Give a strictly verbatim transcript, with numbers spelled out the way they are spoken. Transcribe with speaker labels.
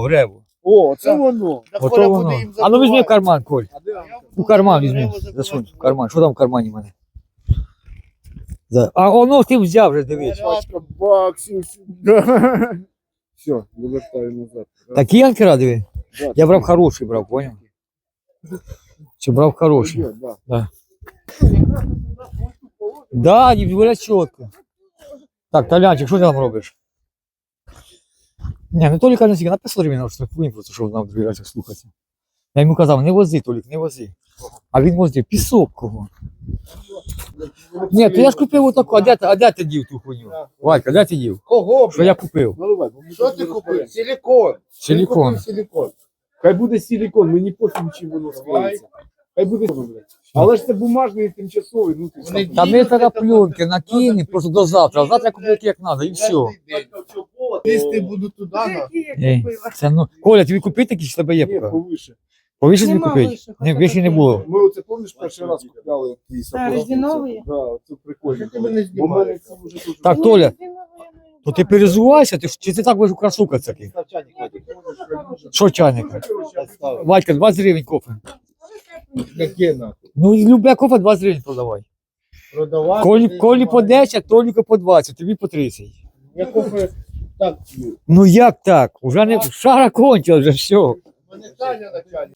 Speaker 1: в реву.
Speaker 2: О, це воно.
Speaker 1: Ото воно. А ну візьми в карман, Коль. У карман візьми. Засунь в карман. Що там в кармані в мене? Да. А воно ти взяв вже, дивись.
Speaker 2: Пачка баксів. Все, вивертаю назад.
Speaker 1: Такі анкера, диви.
Speaker 2: Да,
Speaker 1: Я брав хороший, брав, поняв? Чи брав хороший?
Speaker 2: Пойдет, да.
Speaker 1: Да. Да, не говорять чітко. Так, Толянчик, що ти там робиш? Ні, ну Толік каже, на п'ятсот гривень штрафуємо, просто щоб нам другий раз слухатися. Я йому казав, не вози, Толік, не вози. А він возив, пісок кого. Ні, то я ж купив отаку, а де, ти- а де ти дів ту хуйню? Валька, де ти дів?
Speaker 2: Кого?
Speaker 1: Що я купив?
Speaker 2: Наливай. Що ти купив? Силікон.
Speaker 1: Силікон.
Speaker 2: Купив силікон. Хай буде силікон, мені пофіг, чим воно склеїться. Хай буде силікон. Але ж це бумажний тимчасовий, ну ти сам.
Speaker 1: Та ми тоді пленки накинемо просто до завтра, а завтра я куплю як треба, і все.
Speaker 2: Лізти буду туди, на.
Speaker 1: Ей, це, ну, Коля, тобі купити такі, чи тебе є
Speaker 2: Ні,
Speaker 1: поки?
Speaker 2: повише.
Speaker 1: Повіше тобі
Speaker 3: Нема
Speaker 1: купити?
Speaker 3: вище,
Speaker 1: Ні,
Speaker 3: хоча
Speaker 1: більше не
Speaker 3: таке.
Speaker 1: було.
Speaker 2: Ми оце, пам'ятаєш, перший раз купляли ті сапоги?
Speaker 3: резинові?
Speaker 2: Да, це прикольно.
Speaker 4: Ти мене
Speaker 2: Бо в мене ці вже дуже...
Speaker 1: Так, Толя, то ти перезувайся, ти, ж- чи ти так будеш красукатися такий? Що чайника? Вадька, двадцять гривень кофе.
Speaker 4: Яке нахуй?
Speaker 1: Ну, любе кофе двадцять гривень продавай.
Speaker 4: Продавати.
Speaker 1: Колі, колі по десять, Толіку по двадцять, тобі по тридцять.
Speaker 4: Я кофе так п'ю.
Speaker 1: Ну як так? Уже не шара кончила, вже все.
Speaker 4: Мене Таня начальник.